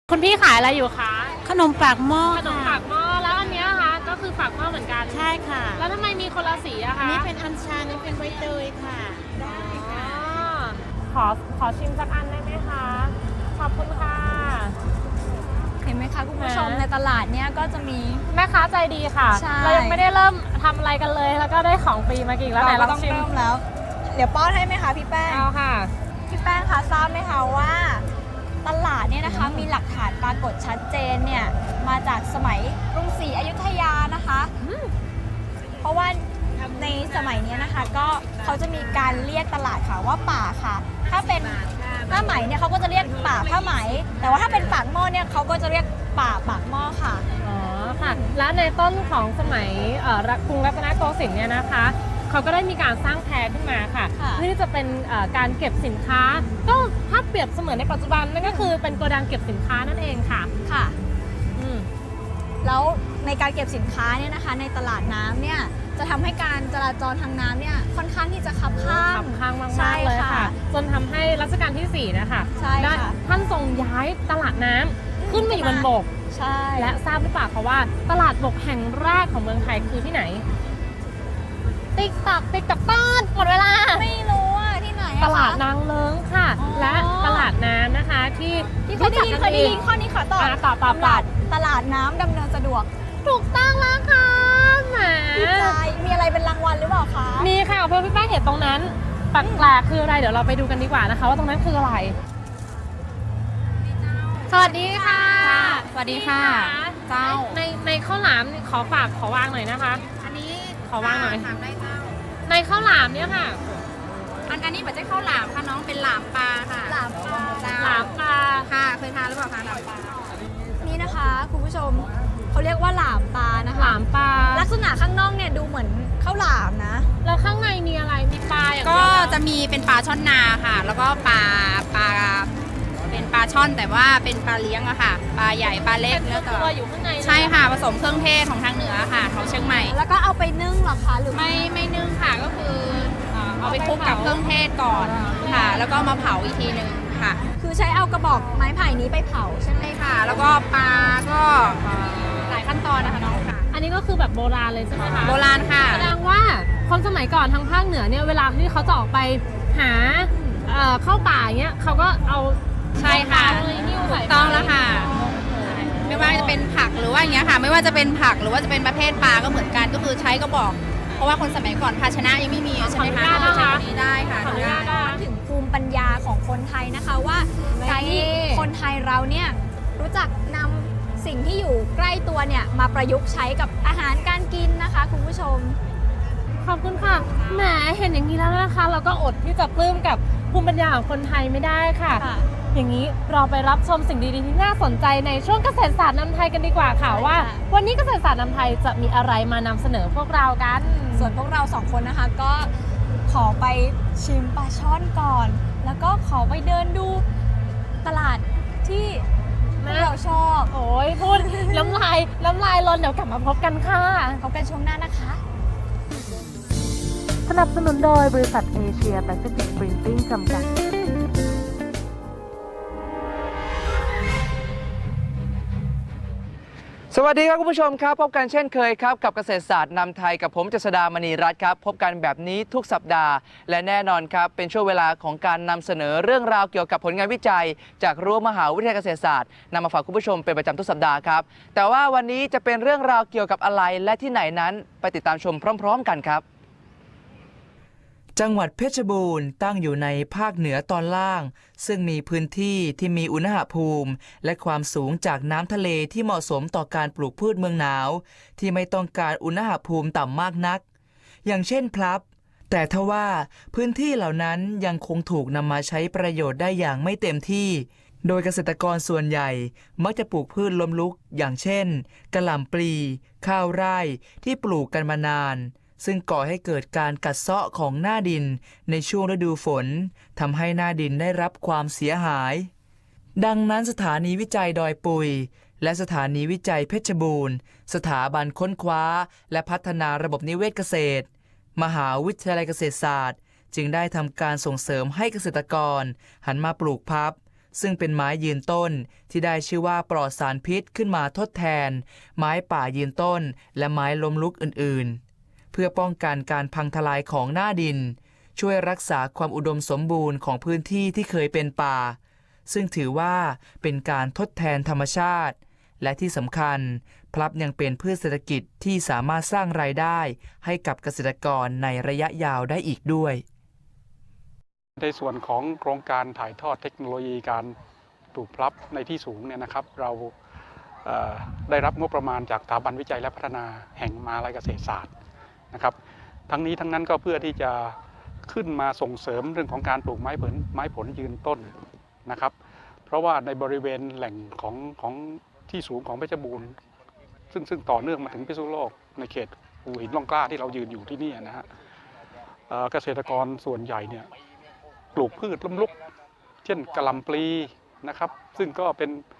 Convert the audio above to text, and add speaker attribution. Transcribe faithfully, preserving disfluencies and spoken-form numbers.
Speaker 1: คุณพี่ขายอะไรอยู่คะ
Speaker 2: ขนมปากหม้อ
Speaker 1: ขนมปากหม้อแล้วอันเนี้ยคะก็คือปากหม้อเหมือนกัน
Speaker 2: ใช่ค่ะ
Speaker 1: แล้วทำไมมีคนละสีอะคะ
Speaker 2: นี่เป็นอัญชันนี่เป็นใบเตยค่ะ ได้ค่ะ
Speaker 1: ขอขอชิมสักอันได้ไหมคะขอบคุณค่ะ
Speaker 3: เห็นไหมคะคุณผู้ชม
Speaker 1: อ่า
Speaker 3: ในตลาดเนี้ยก็จะมี
Speaker 1: แม่ค้าใจดีค่ะ
Speaker 3: ใช่
Speaker 1: เรายังไม่ได้เริ่มทำอะไรกันเลย แล้วก็ได้ของฟรีมากินแล้วไหนล
Speaker 3: ก็
Speaker 1: อง
Speaker 3: ต้อง
Speaker 1: ชิม
Speaker 3: เริ่มแล้ว เดี๋ยวป้อนให้ไหมคะพี่แป้ง
Speaker 1: เอาค่ะ
Speaker 3: พี่แป้งคะทราบไหมคะว่าตลาดเนี่ยนะคะมีหลักฐานปรากฏชัดเจนเนี่ยมาจากสมัยกรุงศรีอยุธยานะคะ เพราะว่าในสมัยเนี้ยนะคะก็เขาจะมีการเรียกตลาดค่ะว่าป่าค่ะ ถ้าเป็นผ้าไหมเนี่ยเขาก็จะเรียกป่าผ้าไหม แต่ว่าถ้าเป็นปากหม้อเนี่ยเขาก็จะเรียกป่าปากหม้อค่ะ
Speaker 1: อ๋อค่ะ และในต้นของสมัยเอ่อกรุงรัตนโกสินทร์เนี่ยนะคะเขาก็ได้มีการสร้างแพขึ้นมาค่ะ
Speaker 3: ค่ะ
Speaker 1: เพื่อที่จะเป็นเอ่อการเก็บสินค้า ก็ถ้าเปรียบเสมือนในปัจจุบันนั่นก็คือเป็นโกดังเก็บสินค้านั่นเองค่ะ
Speaker 3: ค่ะ
Speaker 1: อืม
Speaker 3: แล้วในการเก็บสินค้าเนี่ยนะคะในตลาดน้ำเนี่ยจะทำให้การจราจรทางน้ำเนี่ยค่อนข้างที่จะคับข้าง
Speaker 1: ขับข้างมาก
Speaker 3: ใช่
Speaker 1: ๆเลย
Speaker 3: ค่ะ
Speaker 1: ค่ะ จนทำให้รัชกาลที่สี่นะคะ
Speaker 3: ใช่
Speaker 1: ได้
Speaker 3: ค่ะ
Speaker 1: ท่านทรงย้ายตลาดน้ำขึ้นมาอยู่บนบก
Speaker 3: ใช่
Speaker 1: และทราบหรือเปล่าคะว่าตลาดบกแห่งแรกของเมืองไทยคือที่ไหน ติ๊กตักติ๊กตักต้นหมดเวลา
Speaker 3: ไม่รู้ว่าที่ไหนอะ
Speaker 1: ตลาด
Speaker 3: คะ
Speaker 1: นางเลิ้งค่ะ
Speaker 3: อ๋อ
Speaker 1: และตลาดน้ำนะคะที่
Speaker 3: ที่เคยได้ยินเคยได้ยินข้อนี้ขอตอบ
Speaker 1: อ่ะตอบตอบ
Speaker 3: ตลาดตลาดน้ำดำเนินสะดวก
Speaker 1: ถูกต้องแล้วค่ะแหม
Speaker 3: ดีใจมีอะไรเป็นรางวัลหรือเปล่าคะ
Speaker 1: มีค่ะเพื่อนพี่แป้งเห็นตรงนั้นแปลกๆคืออะไรเดี๋ยวเราไปดูกันดีกว่านะคะ ว่าตรงนั้นคืออะไร สวัสดีค่ะ
Speaker 4: สวัสดีค่ะ เจ้า
Speaker 1: ในในข้าวหลามขอฝากขอวางหน่อยนะคะ
Speaker 4: อันนี้
Speaker 1: ขอวางหน่อย
Speaker 4: ถามได้เจ้า
Speaker 1: ในข้าวหลามเนี่ยค่ะ
Speaker 4: อันอันนี้เหมือนจะข้าวหลามค่ะน้องเป็นหลามปลาค่ะ
Speaker 3: หลามปลา
Speaker 4: เจ้
Speaker 1: หลามปลา
Speaker 4: ค่ะเคยทานหรือเปล่าคะหลามปลา
Speaker 3: นี่นะคะคุณผู้ชมเขาเรียกว่าหลามปลานะคะ
Speaker 1: หลามปลา
Speaker 3: ลักษณะข้างนอกเนี่ยดูเหมือนข้าวหลามนะ
Speaker 1: แล้วข้างในมีอะไรมีปลาอย่าง
Speaker 4: ก็
Speaker 1: เดียว
Speaker 4: จะมีเป็นปลาช่อนนาค่ะ แล้วก็ปลาปลาเป็นปลาช่อนแต่ว่าเป็นปลาเลี้ยงอะค่ะ ปลาใหญ่ปลาเล็ก
Speaker 1: เป็น
Speaker 4: แล้วแต่
Speaker 1: ตัวอยู่ข้างใน
Speaker 4: ใช่ค่ะผสมเครื่องเทศของทางเหนือค่ะของเชียงใหม่
Speaker 3: แล้วก็เอาไปนึ่งเหรอคะหรือ
Speaker 4: ไม่ไม่นึ่งค่ะก็คือเอ่อเอาไปคลุกกับเครื่องเทศก่อนค่ะ แล้วก็มาเผาอีกทีหนึ่งค่ะ
Speaker 3: คือใช้เอากระบอกไม้ไผ่นี้ไปเผาใช่ไหม
Speaker 4: ใช่ค่ะ แล้วก็ปลาก็เอ่อหลายขั้นตอนนะคะน้องค่ะ
Speaker 1: อันนี้ก็คือแบบโบราณเลยใช่ไหมคะ
Speaker 4: โบราณค่ะ
Speaker 1: แสดงว่าคนสมัยก่อนทางภาคเหนือเนี่ยเวลาที่เขาจะออกไปหาเอ่อเข้าป่าอย่างเงี้ยเขาก็เอา
Speaker 4: ใช่ค่ะ
Speaker 1: เอาเลยหิ้ว
Speaker 4: ถู
Speaker 1: ใส่
Speaker 4: ก
Speaker 1: ไป
Speaker 4: ต้องแล้วค่ะ ไม่ว่าจะเป็นผักหรือว่าอย่างเงี้ยค่ะ ไม่ว่าจะเป็นผักหรือว่าจะเป็นประเภทปลาก็เหมือนกันก็คือใช้กระบอก เพราะว่าคนสมัยก่อนภาชนะยังไม่มีใช่ไหมคะ
Speaker 1: ขออนุญาตนะคะ
Speaker 4: ใช้ตัวนี้ได้ค่ะ
Speaker 1: ขออนุญาตนะคะ
Speaker 3: ถึงภูมิปัญญาของคนไทยนะคะว่าการที่คนไทยเราเนี่ยรู้จักนำสิ่งที่อยู่ใกล้ตัวเนี่ยมาประยุกต์ใช้กับอาหารการกินนะคะคุณผู้ชม
Speaker 1: ขอบคุณค่ะแหมเห็นอย่างนี้แล้วนะคะ เราก็อดที่จะปลื้มกับภูมิปัญญาของคนไทยไม่ได้ค่ะ
Speaker 3: ค่ะ
Speaker 1: อย่างนี้เราไปรับชมสิ่งดีๆที่น่าสนใจในช่วงเกษตรศาสตร์นำไทยกันดีกว่าค่ะ
Speaker 3: ใช่ค่ะ
Speaker 1: ว่า วันนี้เกษตรศาสตร์นำไทยจะมีอะไรมานำเสนอพวกเรากัน
Speaker 3: ส่วนพวกเราสองคนนะคะก็ขอไปชิมปลาช่อนก่อน แล้วก็ขอไปเดินดูตลาดที่พวกเราชอบ
Speaker 1: โอ้ยพูด น้ำลายน้ำลายลนเดี๋ยวกลับมาพบกันค่ะ
Speaker 3: พบกันช่วงหน้านะคะ
Speaker 1: สนับสนุนโดยบริษัทเอเชียแปซิฟิกปรินติ้งจำกัด
Speaker 5: สวัสดีครับคุณผู้ชมครับพบกันเช่นเคยครับกับเกษตรศาสตร์นำไทยกับผมเจษดามณีรัตน์ครับพบกันแบบนี้ทุกสัปดาห์และแน่นอนครับเป็นช่วงเวลาของการนำเสนอเรื่องราวเกี่ยวกับผลงานวิจัย จากรั้วมหาวิทยาลัยเกษตรศาสตร์นำมาฝากคุณผู้ชมเป็นประจำทุกสัปดาห์ครับแต่ว่าวันนี้จะเป็นเรื่องราวเกี่ยวกับอะไรและที่ไหนนั้นไปติดตามชมพร้อม ๆ กันครับจังหวัดเพชรบูรณ์ตั้งอยู่ในภาคเหนือตอนล่าง ซึ่งมีพื้นที่ที่มีอุณหภูมิและความสูงจากน้ำทะเลที่เหมาะสมต่อการปลูกพืชเมืองหนาวที่ไม่ต้องการอุณหภูมิต่ำมากนัก อย่างเช่นพลับ แต่ทว่าพื้นที่เหล่านั้นยังคงถูกนำมาใช้ประโยชน์ได้อย่างไม่เต็มที่ โดยเกษตรกรส่วนใหญ่มักจะปลูกพืชล้มลุกอย่างเช่นกะหล่ำปลีข้าวไร่ที่ปลูกกันมานานซึ่งก่อให้เกิดการกัดเซาะของหน้าดินในช่วงฤดูฝนทำให้หน้าดินได้รับความเสียหาย ดังนั้นสถานีวิจัยดอยปุยและสถานีวิจัยเพชรบูรณ์สถาบันค้นคว้าและพัฒนาระบบนิเวศเกษตรมหาวิทยาลัยเกษตรศาสตร์จึงได้ทำการส่งเสริมให้เกษตรกรหันมาปลูกพับซึ่งเป็นไม้ยืนต้นที่ได้ชื่อว่าปลอดสารพิษขึ้นมาทดแทน ไม้ป่ายืนต้นและไม้ล้มลุกอื่นๆ เพื่อป้องกันการพังทลายของหน้าดิน ช่วยรักษาความอุดมสมบูรณ์ของพื้นที่ที่เคยเป็นป่า ซึ่งถือว่าเป็นการทดแทนธรรมชาติ และที่สำคัญพลับยังเป็นพืชเศรษฐกิจที่สามารถสร้างรายได้ให้กับเกษตรกรในระยะยาวได้อีกด้วย
Speaker 6: ในส่วนของโครงการถ่ายทอดเทคโนโลยีการปลูกพลับในที่สูงเนี่ยนะครับ เราเอ่อได้รับงบประมาณจากสถาบันวิจัยและพัฒนาแห่งมหาวิทยาลัยเกษตรศาสตร์นะครับ ทั้งนี้ทั้งนั้นก็เพื่อที่จะขึ้นมาส่งเสริมเรื่องของการปลูกไม้ผลไม้ผลยืนต้นนะครับ เพราะว่าในบริเวณแหล่งของของที่สูงของเพชรบูรณ์ซึ่งซึ่งต่อเนื่องมาถึงพิษณุโลกในเขตภูหินร่องกล้าที่เรายืนอยู่ที่นี่นะฮะเอ่อเกษตรกรส่วนใหญ่เนี่ยปลูกพืชล้มลุกเช่นกะหล่ำปลีนะครับ ซึ่งก็เป็น